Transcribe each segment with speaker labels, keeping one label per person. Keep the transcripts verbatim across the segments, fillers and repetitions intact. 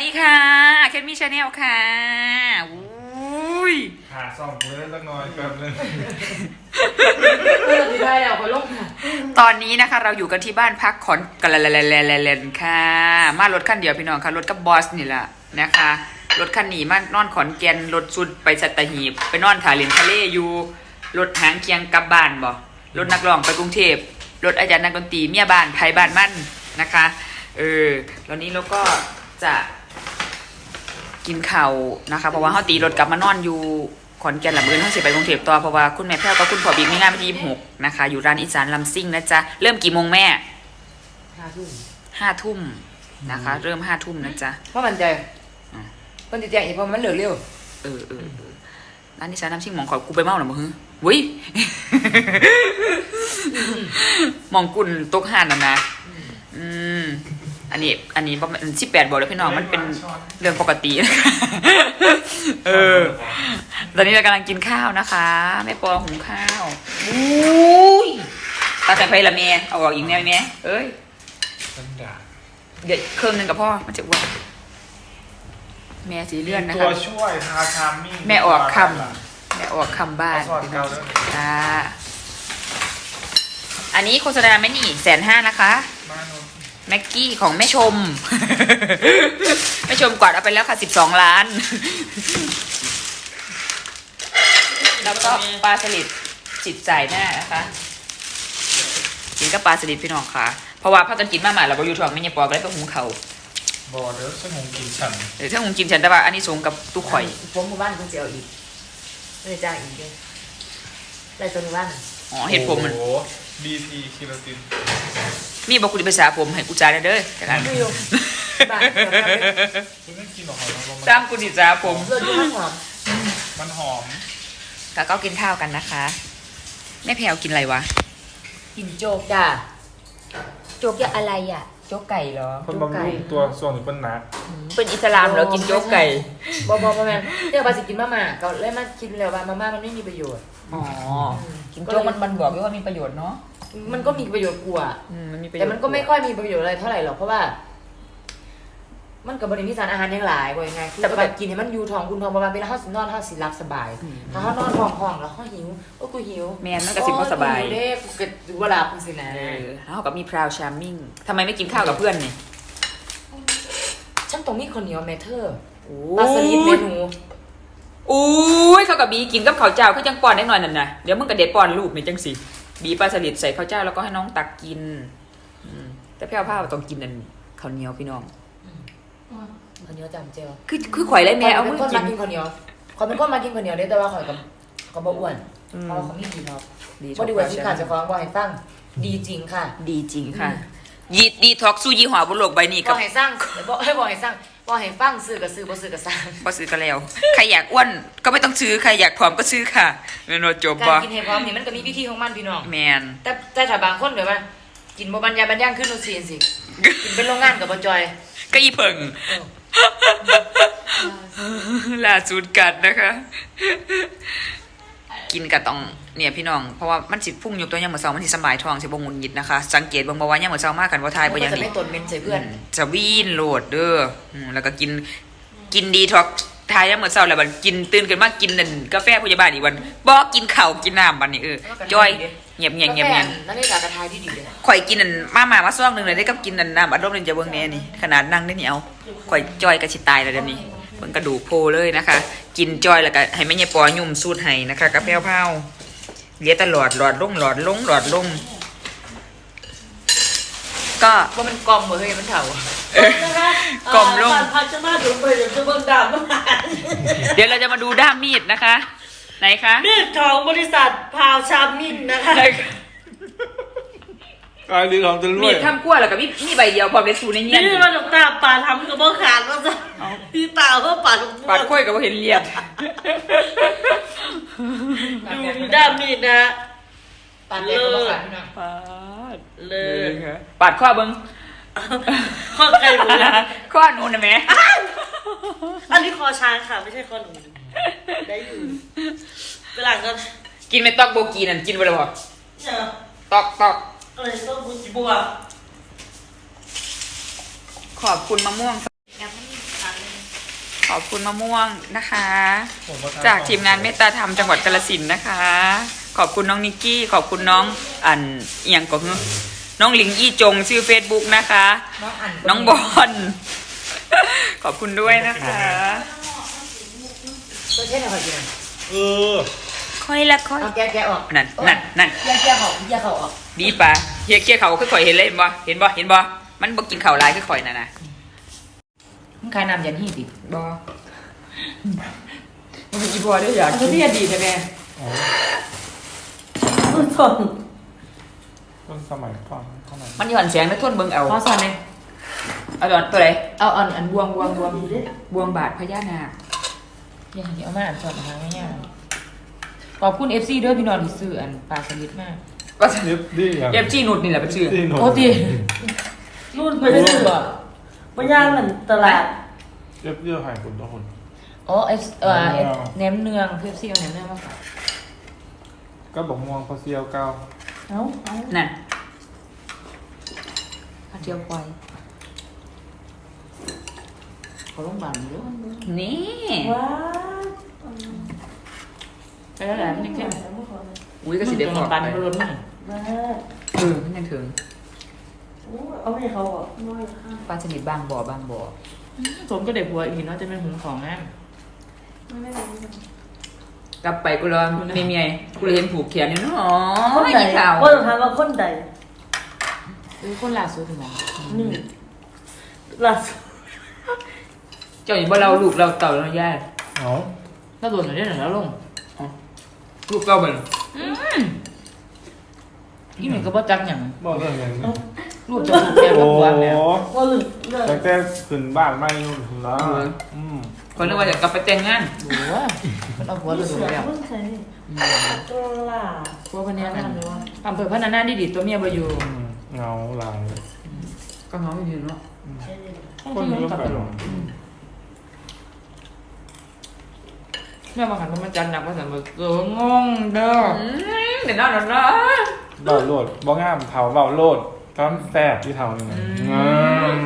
Speaker 1: ดีค่ะแคทมี่ชาแนลค่ะอุ้ย
Speaker 2: หาส่องเลยสักหน่อยแป๊บนึง
Speaker 3: ได้แล้วขอลงค่ะ
Speaker 1: ตอนนี้นะคะเราอยู่กันที่บ้านพักขอนกันเลนๆค่ะมารถคันเดียวพี่น้องค่ะรถกับบอสนี่แหละนะคะรถคันนี้มานอนขอนแก่นรถสุดไปสัตหีบไปนอนถาเลนทะเลอยู่รถหางเคียงกลับบ้านบ่รถนักร้องไปกรุงเทพรถอาจารย์นักดนตรีเมียบ้านไทยบ้านมั่นนะคะเออตอนนี้เราก็จะกินข้าวนะคะเพราะว่าเขาตีรถกลับมานอนอยู่ขอนแก่นหลังมือเขาเสียไปกรุงเทพต่อเพราะว่าคุณแม่แพ้วกับคุณพ่อบิ๊กมีงานวันที่ยี่สิบหกนะคะอยู่ร้านอีสานลำซิ่งนะจ๊ะเริ่มกี่โมงแม่
Speaker 3: ห้าทุ่ม
Speaker 1: ห้าทุ่มนะคะเริ่มห้าทุ่มนะจ๊ะ
Speaker 3: เพราะมันใจมันจะแจ้งอีกเพราะมันเหลือเร็ว
Speaker 1: เออเออร้านอีสานลำซิ่งมองขอกูไปเมาหรอมึงวุ้ยมองกุ่นตกห่านนะนะอืมอันนี้อันนี้ประมาณสิบแปดบอกเลยพี่น้องมันเป็นเรื่องปกตินะคะเออตอนนี้เรากำลังกินข้าวนะคะแม่ปอหุงข้าวอุ้ยตาใส่ไฟละเมียเอาออกอีกแนวเนี้ยเอ้ยเดี๋ยวเครื่องนึงกับพ่อมันจะอ้วนแม่สีเลื่อนนะคะ
Speaker 2: ตัวช่วยทาคามิ่ง
Speaker 1: แม่ออกคำแม่ออกคำบ้านอ่าอันนี้โฆษณาไม่นี่แสนห้านะคะแม็กกี้ของแม่ชมแม่ชมกวาดเอาไปแล้วค่ะสิบสองล้านแล้วก็ปลาสลิดจิตใจหน้านะคะกินกับปลาสลิดพี่น้องค่ะเพราะว่าพากันกินมาหมาเราไปยูทองไม่เนี่ยปอก็ได้ไปหุงเขา
Speaker 2: บอเด้อฉันหุงกินฉัน
Speaker 1: เดี๋ยวถ้าหุงกินฉันแต่ว่าอันนี้สูงกับตู้ข่อย
Speaker 3: ผมหมู่บ้านคุณเจียวอีกไม่จ้างอีกเลยไรตัวหมู่บ้าน
Speaker 1: อ๋อเห็ดผมมัน
Speaker 2: โอ้บีทีคิโรติน
Speaker 1: มีบอกกูจะไปสาผมให้กูจ่ายได้เด้อจังนั้น
Speaker 2: คุณไม่กินหรอกครับ
Speaker 1: จ้างกูดิจ้าผม
Speaker 3: เลือดมันหอม
Speaker 2: มันหอม
Speaker 1: แล้วก็กินข้าวกันนะคะแม่แพรวกินอะไรวะ
Speaker 3: กินโจ๊กจ้าโจ๊กอะอะไรอ่ะ
Speaker 1: โจ๊กไก่เหรอ
Speaker 2: คนบำรุงตัวส่วนหรือเป็นนัก
Speaker 1: เป็นอิสลามเหรอกินโจ๊กไก่
Speaker 3: บอบอบอแม่เดี๋ยวปาสิกินมาม่าก็เลยมากินแล้วว่ามาม่ามันไม่มีประโยชน์
Speaker 1: อ๋อกินโจ๊กมันมันบอกว่ามีประโยชน์เนาะ
Speaker 3: มันก็มีประโยชน์กว่าแต่มันก็ไม่ค่อยมีประโยชน์อะไรเท่าไหร่หรอกเพราะว่ามันกับบริมีสารอาหารยังหลายกว่ายังไงแต่แบบกินให้มันยูทองคุณทองประมาณเป็นห้าสิบนอนห้าสิบรับสบายถ้าเขานอนห้องห้องแล้วเขาหิวโอ้กูหิว
Speaker 1: แมนนั่นก็สิบก็สบาย
Speaker 3: เด้กูเกิดดูเวลาคุณสินะ
Speaker 1: เขากับมีพราวชาร์มิ่งทำไมไม่กินข้าวกับเพื่อนเนี่ย
Speaker 3: ฉันตรงนี้คนเหนียวเมเทอร์ปลาสลิดเมนู
Speaker 1: อุ้ยเขากับบีกินกับข้าวเจ้าคือจังปอนได้หน่อยนั่นนะเดี๋ยวมึงกับเด็ดปอนลูกในจังสิบีปลาสลิดใส่ข้าวเจ้าแล้วก็ให้น้องตักกินแต่พี่เอาผ้าต้องกินนั่นข้าวเหนียวพี่น้อง
Speaker 3: ข้าวเหนียวจำเจียว
Speaker 1: คือคือข่อยไรแม่เอามึง
Speaker 3: กินข้าวเหนียวข่อยเป็นคนมากินข้าวเหนียวได้แต่ว่าข่อยกับกับบ่อ้วนเพราะว่าเขาไม่ดีเนาะบ่ดีกว่าที่ขาดจะฟ้องบ่ให้ฟังดีจริงค่ะ
Speaker 1: ดีจริงค่ะยีดีท็อกซูยี่ห้อบนโลกใบนี้
Speaker 3: กับบ่ให้สร้างบ่ให้บ่ให้สร้างบ่ให้ฟังซื้อกับซื้อบ่ซื้อกับสร้าง
Speaker 1: บ่ซื้อก็แล้วใครอยากอ้วนก็ไม่ต้องซื้อใครอยากผอมก็ซื้อค่ะแม่นจบบ่
Speaker 3: การกินให้พร้อมนี่มันก็มีวิธีของมันพี่น้อง
Speaker 1: แมน
Speaker 3: แต่แต่ถ้าบางคนแบบว่ากินบ่บรรยายบรรยังขึ้นโนซีนสิกินเป็นโรงงานกับบ่จอย
Speaker 1: ก็อีเพิ่งล่าสุดกัดนะคะกินกับต้องเนี่ยพี่น้องเพราะว่ามันสิพุ่งยกตัวยังเหมือนเสามันสิสบายท้องสิบ่งุนหงิดนะคะสังเกตบ่ว่ายังเหมือนเสามากกันว่าทายบ่อย่างนี้
Speaker 3: จะไม่ตนเมนใส่เพื่อน
Speaker 1: จะวีนโหลดเด้อแล้วก็กินกินดีท็อกทายยังเหมือนเสาแล้วบัดกินตื่นขึ้นมากินนั่นกาแฟพยาบาลอีกวันบ่กินข้าวกินน้ำบัดนี้เออจอยเงียบเงียบเงียบเงียบ
Speaker 3: นั่นนี่กากระทายที่ดีเลย
Speaker 1: ข่อยกินนั่นมามามาซ่องนึงเลยได้กับกินนั่นน้ำอัดลมนี่จะเบิ่งแน่นี่ขนาดนั่งได้เหนียวข่อยจอยก็สิตายแล้วเดี๋ยวนี้เบิ่งกระดูกโผล่เลยนะคะกินจอยแล้วก็ให้แม่ยายปอยุ่มสูตรให้นะคะกาแฟเผาเลี้ยตลอดหลอดลงหลอดลงหลอดลงก็
Speaker 3: ว่ามันกลมเหมือนเฮ้ยมันเถ
Speaker 1: ากลมลง
Speaker 3: พักจะมาดูไปเดี๋ยวจะเบิ่งดาม
Speaker 1: เดี๋ยวเราจะมาดูด้ามมีดนะคะไหนคะ
Speaker 3: มีดของบริษัทพาวชามินนะคะ
Speaker 2: กายดีของจะรวย
Speaker 1: มีดทำขั้วแล้วกับมีมีใบเดียวพอไปสูในเงี้ย
Speaker 3: นี่มันตาปาทำกับบ่ขาดก็จะที่ตาก็ปาด
Speaker 1: ปาดขั้วกับบ่เห็นเรียบ
Speaker 3: ดูด้ามมีดนะปาดเลยก็ขาดพี่น้อง
Speaker 1: ปาดเลยปาดข้อเบิ้ง
Speaker 3: ข้อใครหนู
Speaker 1: ข้อหนูนะแม่
Speaker 3: อันนี้คอช้างค่ะไม่ใช่ข้อหนูได้อยู่เวลาก็
Speaker 1: กินไม่ตอกโบกีนั่นกินไปเลยบ่ตอกตอก
Speaker 3: อะไรต้องบุจิบัว
Speaker 1: ขอบคุณมะม่วง
Speaker 3: ยังไม่มีทางเลย
Speaker 1: ขอบคุณมะม่วงนะคะ
Speaker 2: ผมว่ท
Speaker 1: จากทีมงานเมตตาธรรมจังหวัดกาฬสินธุ์นะคะ ขอบคุณน้องนิกกี้ ขอบคุณน้องอันเอียงก็คือน้องหลิงอี้จงชื่อ Facebook นะคะ
Speaker 3: น้องอัน
Speaker 1: น้องบอล ขอบคุณด้วยนะคะ
Speaker 3: ตัวเช่นอะไรกิน
Speaker 2: เออ
Speaker 1: ค่อยละค่อย
Speaker 3: เอาแกะแกะออก
Speaker 1: นั่นนั่นนั่น
Speaker 3: แยกแยกออกแยกเขาออก
Speaker 1: ดีปะเฮียเกี้ยเขาคือข่อยเห็นเลยเห็นบ่เห็นบ่เห็นบ่มันบ่กินข้าวหลายคือข่อยน่ะนะ
Speaker 3: มึงขายน้ำยันหี่ดิ
Speaker 1: บ่มันเป็นอีบัวด้วยอยาก
Speaker 3: มันที่อดีตแม่
Speaker 2: อ๋อ
Speaker 3: ต้นสน
Speaker 2: ต้นสมัยก่อนเท่าไหร่
Speaker 1: มันหย่อนแสงแล้วทนเบิ่งเอา
Speaker 3: พอสอนเลย
Speaker 1: เอาดอนตัวไหน
Speaker 3: เอาอันอันบวงบวงบวง
Speaker 1: บวงบาทพญานาค
Speaker 3: อย่างนี้เอามาอ่านสอนนะคะง่ายๆขอบคุณเอฟซีด้วยพี่นอนที่ซื้ออันปลาสลิดมาก
Speaker 1: ว่า
Speaker 2: เย็บดีอย่าง
Speaker 1: เย็บจี้นุดนี่แหละเป็นชื่อ
Speaker 2: ดีหน
Speaker 3: โอ้ดี
Speaker 4: รุ่นไปได้ซื้อบ่บ่ย่างเหมือนตลาด
Speaker 2: เย็บเยื่อไข่คุณทุกคน
Speaker 3: อ๋อเอฟเอ่อเนมเนืองเอฟซีเอาเนมเนืองมาฝาก
Speaker 2: ก็บอกม่วงพอเซียวเก้า
Speaker 4: เอ้าเอ้า
Speaker 1: นั่นข้าวเจียวควาย
Speaker 3: เขาลงพยาบาลเยอะ
Speaker 1: นี่
Speaker 4: ว้า
Speaker 3: ไปแล้วแหละมันยังเข้ม
Speaker 1: อุ้ยก็สิเดี๋ยวขอ
Speaker 3: ปัน
Speaker 1: ไป
Speaker 3: ไปรถนี่
Speaker 4: ว้า
Speaker 1: เออมันยังถึง
Speaker 4: โอ้เอาให้เขาอ่ะน้อยข้าง
Speaker 1: ปลาชนิดบางบ่อบางบ่อ
Speaker 3: ผมก็เด็กผัวอีกเนาะจะเป็นหุงของงาน
Speaker 4: ไม่ไม่ได้
Speaker 1: กลับไปกูรอไม่มีไงกูเลยเห็นผูกแขนอยู่เนาะ
Speaker 4: คน
Speaker 1: ไม่
Speaker 4: ใด
Speaker 1: มีข่าว
Speaker 4: ว่าต้องถามว่าคนใด
Speaker 3: เออคนล่าสุดถึงไหน
Speaker 4: นี่ล่าสุด
Speaker 1: เจ้าอย่างว่าเราลูกเราเต่าเราญาติ
Speaker 2: เอ๋อ
Speaker 3: ถ้าโดนหน่อยได้หน่อยแล้วลง
Speaker 1: ลูกเราเป็น
Speaker 3: อีหนึ่งก็บ่จักอย่าง
Speaker 2: บอกเรื่องอย่างนี้
Speaker 3: รูปจะถูกแก้ว
Speaker 2: โอ้
Speaker 3: กับหัวแล้ว
Speaker 4: ว่าลึกเลย
Speaker 2: แต่แต่ขึ้นบ้านไม่นู่นถึงแล้วอืม
Speaker 1: คนนึกว่าจะกลับไปแต่งงาน
Speaker 3: หัวมันเอาหัวไปโดนแล้ว
Speaker 4: เพิ่งใส่ตลาด
Speaker 3: หัวพันนี้นะอำเภอพัฒนาดีดีตัวเมียบ่อยู่
Speaker 2: อืมเงาลาย
Speaker 1: ก็น้องอยู่เนาะ
Speaker 2: คนเริ่มไปหรอ
Speaker 3: แม่มาขันมันจันหนักว่าสันบ่เอองงเด้อ
Speaker 1: เดี๋ยวนะเดี๋ยวนะ
Speaker 2: เบาโลดบ่งามเผาเบาโลดตอนแสบที่เท่านี่ไงอืม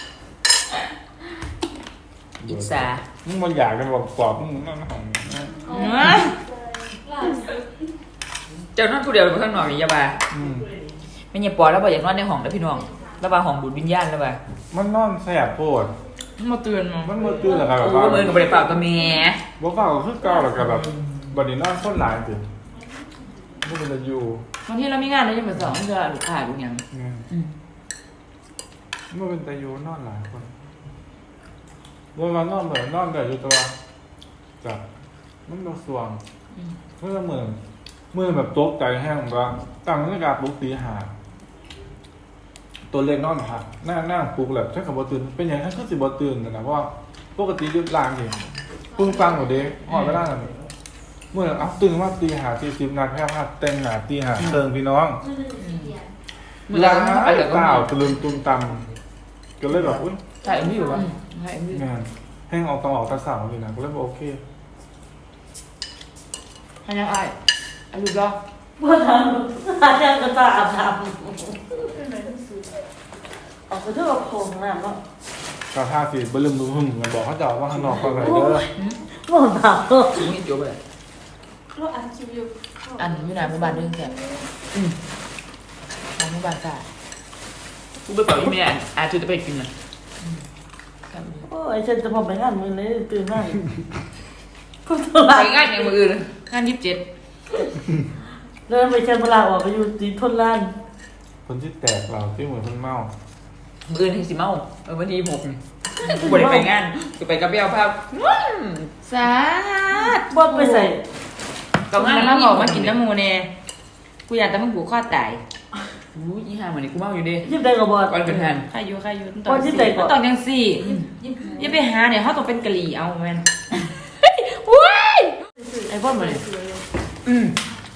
Speaker 1: อิสา
Speaker 2: มึงบ่อยากจะบอกกรอบมึงนั่นของ
Speaker 1: เจ้านอนผู้เดียวอยู่ข้างนอกนี่ยาบา
Speaker 2: อืม
Speaker 1: ไม่เนี่ยปอแล้วบ่อยากนอนในห้องแล้วพี่น้องแล้วบ่าห้องดูดวิญญาณแล้วบ่า
Speaker 2: มันนอนแสบโพด
Speaker 3: มาเตือนมา
Speaker 2: มันมือตื้อแล้วก็แบบ
Speaker 1: โอ้
Speaker 2: ว่า
Speaker 1: มือกับบ่ได้เปล่ากับแม่
Speaker 2: บ่เฝ้าก็คือเก่าแล้วก็แบบบัดนี้นอนคนหลายสิบ่เป็นจะอยู่
Speaker 3: บางทีเรามีงานเราจะมาสอนจะลูกค้าดูยัง
Speaker 2: อืม
Speaker 3: อืม
Speaker 2: บ่เป็นจะอยู่นอนหลายคนบ่ว่านอนเหมือนนอนได้อยู่ตัวจ้ะมันบ่สว่างเมื่อเหมือนเมื่อแบบตกใจแห้งว่าตั้งนาฬิกาปลุกตีห้าตัวเล็กนอนหักหน้าหน้าปลุกแบบฉันก็บ่ตื่นเป็นหยังฉันก็สิบ่ตื่นนะเพราะว่าปกติดึกลางนี่ปึ้งปังหมดเด้ฮอดเวลานั้นเมื่อเอาตื่นมาตีห้าสี่สิบนาทีแค่ว่าแต่งหน้าตีห้าเติงพี่น้อง
Speaker 1: มือเราต้องไป
Speaker 2: ไป
Speaker 1: กับ
Speaker 2: เปล่า
Speaker 1: เขา
Speaker 2: ตะลึงตุมตำก็เลยแบบอุ้ย
Speaker 1: ใช่ไม่อยู่วะใช่ไม่อยู่
Speaker 2: งานแห้งออกต้องออกตาสาวเลยนะก็เลยบอกโอเค
Speaker 3: ให้ยังไอ้ไอ้ลูกรอ
Speaker 4: ว่าทางหาแจ้งกระตาอาบน้ำออกไปเที่ยวกับโขงน้ำเนาะ
Speaker 2: กาท่าสีบลืมมือหึ่งมันบอกเขาจะเอาว่าข้างนอกก็เลยเด้อ
Speaker 4: บ่หนาว
Speaker 1: ชิมิจบเลย
Speaker 4: เราอัดคลิปอยู่
Speaker 3: อันอยู่ไหนหมู่บ้านเรื่องแสบอืมทางหมู่บ้านค่ะ
Speaker 1: กูไปเป่าอีเมลอาจจะไปกินนะ
Speaker 4: โอ้ยฉันจะพอไปงานมื้อนี้ตื่นมาก็ตลา
Speaker 1: ไป
Speaker 4: ด
Speaker 1: งานอย่างมืออื่น
Speaker 3: งานยี่สิบเจ็ด
Speaker 4: เดินไปเชิญเวลาออกไปอยู่ตีทนลาน
Speaker 2: คนที่แตกเราที่เหมือนคนเมา
Speaker 1: มืออื่นที่สิเมาเออวันที่หกกูบ่ได้ไปงานกูไปกับเบี้ยวภาพ
Speaker 3: สาด
Speaker 4: บ่ไปใส่
Speaker 3: ก็งานมาบอกมากินน้ำมูเน่กูอยากแต่มึงผูกคอตาย
Speaker 1: อู้ยี่ห้ามันนี่กูเมาอยู่ดิ
Speaker 4: ยิบได้ก็บ่
Speaker 1: ก่อนเกิดเหตุ
Speaker 3: ใครอยู่ใครอยู่
Speaker 4: วันที่ไหนก่อน
Speaker 3: ตอนยังสี่อย่าไปหาเนี่ยเขาต้องเป็นกะหรี่เอาแมนว้ายไอ้พ่อมาเลย
Speaker 1: อืม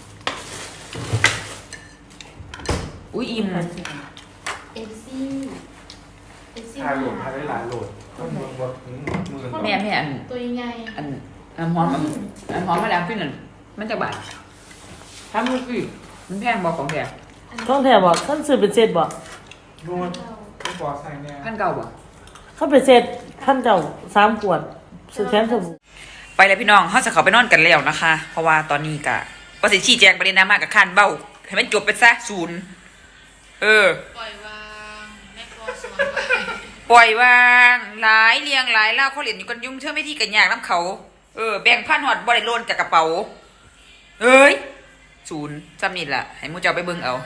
Speaker 1: อุ้ยอิ่ม
Speaker 5: เอฟซีเอฟซี
Speaker 2: ถ่ายโหลดถ่ายได้หลายโหลดต้องมือว่ามือ
Speaker 1: แม่แม่อัน
Speaker 5: ตัวยังไง
Speaker 1: อันอันหอมอันอันหอมมาแล้วพี่นั่นมันจะบาดทำมือสิมันแพงบอกของแพง
Speaker 4: ต้องแถบอกท่านซื้อเป็นเซตบอก
Speaker 2: ดูมันไม่พอใส่แน่
Speaker 1: พันเก่าบ่
Speaker 4: เขาเป็นเซตท่านเจ้าสามขวดสุดแทนสบู่
Speaker 1: ไปเลยพี่น้องเขาจะเขาไปนอนกันแล้วนะคะ เพราะว่าตอนนี้กะประสิทธิ์ชี้แจงประเด็นดราม่ากับคานเบ้าให้มันจบไปซะศูนย์เออ
Speaker 5: ปล่อยวางแม่ปอสอนไว้
Speaker 1: ปล่อยวางหลายเรียงหลายเล่าเขาเหรียญอยู่กันยุ่งเชื่อไม่ที่กันยากน้ำเขา เออแบ่งพันหอดบริโลนจากกระเป๋าเอ้ยศูนย์จำนี่แหละให้มูเจ้าไปเบิ่งเอา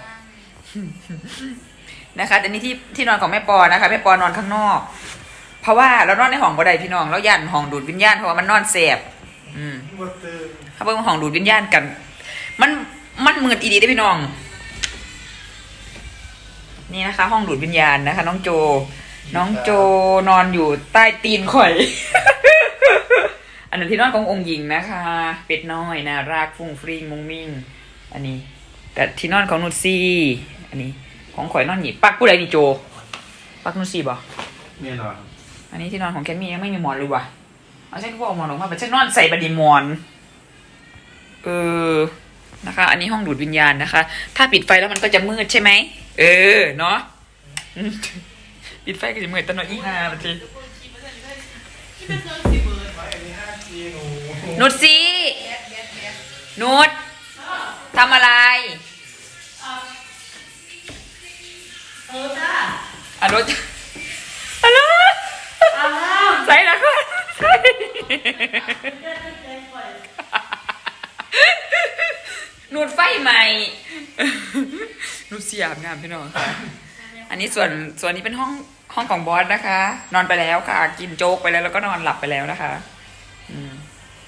Speaker 1: นะคะแต่นี่ที่ที่นอนของแม่ปอนะคะแม่ปอนอนข้างนอก เพราะว่าเรานอนในห้องบ่ได้พี่น้องแล้วย่านห้องดูดวิญญาณเพราะว่ามันนอนแสบอืมถ้าเบิ่งห้องดูดวิญญาณกัน มันมันมืดอีดีได้อพี่น้อง นี่นะคะ ห้องดูดวิญญาณนะคะ น้องโจ น้องโจนอนอยู่ใต้ตีนข่อย อันนั้นที่นอนขององค์หญิงนะคะ เป็ดน้อยน่ารักฟุ้งฟริ้งมุ้งมิ้งอันนี้แต่ที่นอนของนุชซี่อันนี้ของข่อยนอนหนีปักผู้ใดนี่โจ ปักนุชซี่บ่
Speaker 2: เนี่ยนอน
Speaker 1: อันนี้ที่นอนของแคมมี่ยังไม่มีหมอนเลยว่ะเอาฉันก็บอกหมอนออกมาแต่ฉันนอนใส่บัดดีหมอนเออนะคะ อันนี้ห้องดูดวิญญาณนะคะ ถ้าปิดไฟแล้วมันก็จะมืดใช่ไหมเออเนาะ อืมปิดไฟก็จะมืดตลอดอีห้านาทีนุชซี่นุชทำอะไร
Speaker 4: เออจ้า
Speaker 1: อ่ะนุชอ่ะนุชใส่ละก่อนใส่นูดไฟใหม่ นูดเสียบน้ำพี่น้องค่ะ อันนี้ส่วนส่วนนี้เป็นห้องห้องของบอสนะคะ นอนไปแล้วค่ะ กินโจ๊กไปแล้วแล้วก็นอนหลับไปแล้วนะคะอืม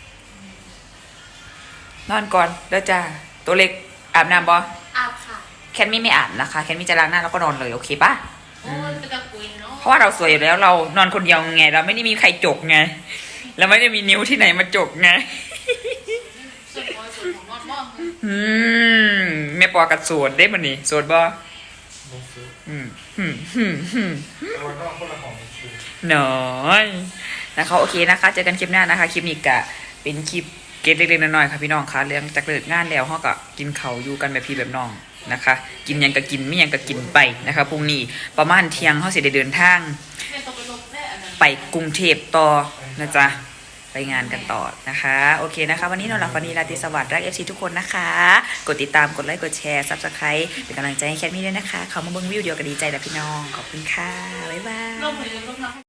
Speaker 1: นอนก่อนแล้วจ้าตัวเล็กอาบน้ำบอ
Speaker 5: อาบค่ะ
Speaker 1: แคนมี่ไม่อาบนะคะ แคนมี่จะล้างหน้าแล้วก็นอนเลยโอเคปะ
Speaker 5: โอ้ยเป็นตะกุยเนาะ
Speaker 1: เพราะว่าเราสวยอยู่แล้วเรานอนคนเดียวไง เราไม่ได้มีใครจกไงเราไม่ได้มีนิ้วที่ไหนมาจกไง
Speaker 5: ส่วนปอยส่วนของนอนมอง
Speaker 1: อืมแม่ปอกัดสวดได้มันนี่สวดบ่อืมอืมอืมอืม
Speaker 2: แต่ว่าต้องคนละของคือ
Speaker 1: น้อยนะคะโอเคนะคะเจอกันคลิปหน้านะคะคลิปนี้กะเป็นคลิปเกตเล็กๆน้อยๆค่ะพี่น้องคะเรื่องจากเลิกงานแล้วเขาก็กินเขาวอยู่กันแบบพี่แบบน้องนะคะ กินหยังก็กินไม่หยังก็กินไปนะคะพรุ่งนี้ประมาณเที่ยงเขาสิได้เดินทาง
Speaker 5: แม่ต้องไปลบแน่อันนั้น
Speaker 1: ไปกรุงเทพต่อนะจ๊ะไปงานกันต่อนะคะโอเคนะคะ วันนี้นอนหลับฝันดีราตรีสวัสดิ์รักเอฟซีทุกคนนะคะ กดติดตามกดไลค์กดแชร์ซับสไครต์เป็นกำลังใจให้แคทมี่ด้วยนะคะเขามาเบิ้งวิวเดียวกันดีใจแล้วพี่น้องขอบคุณค่ะบ๊ายบาย
Speaker 5: ลงเลยลงน้ำ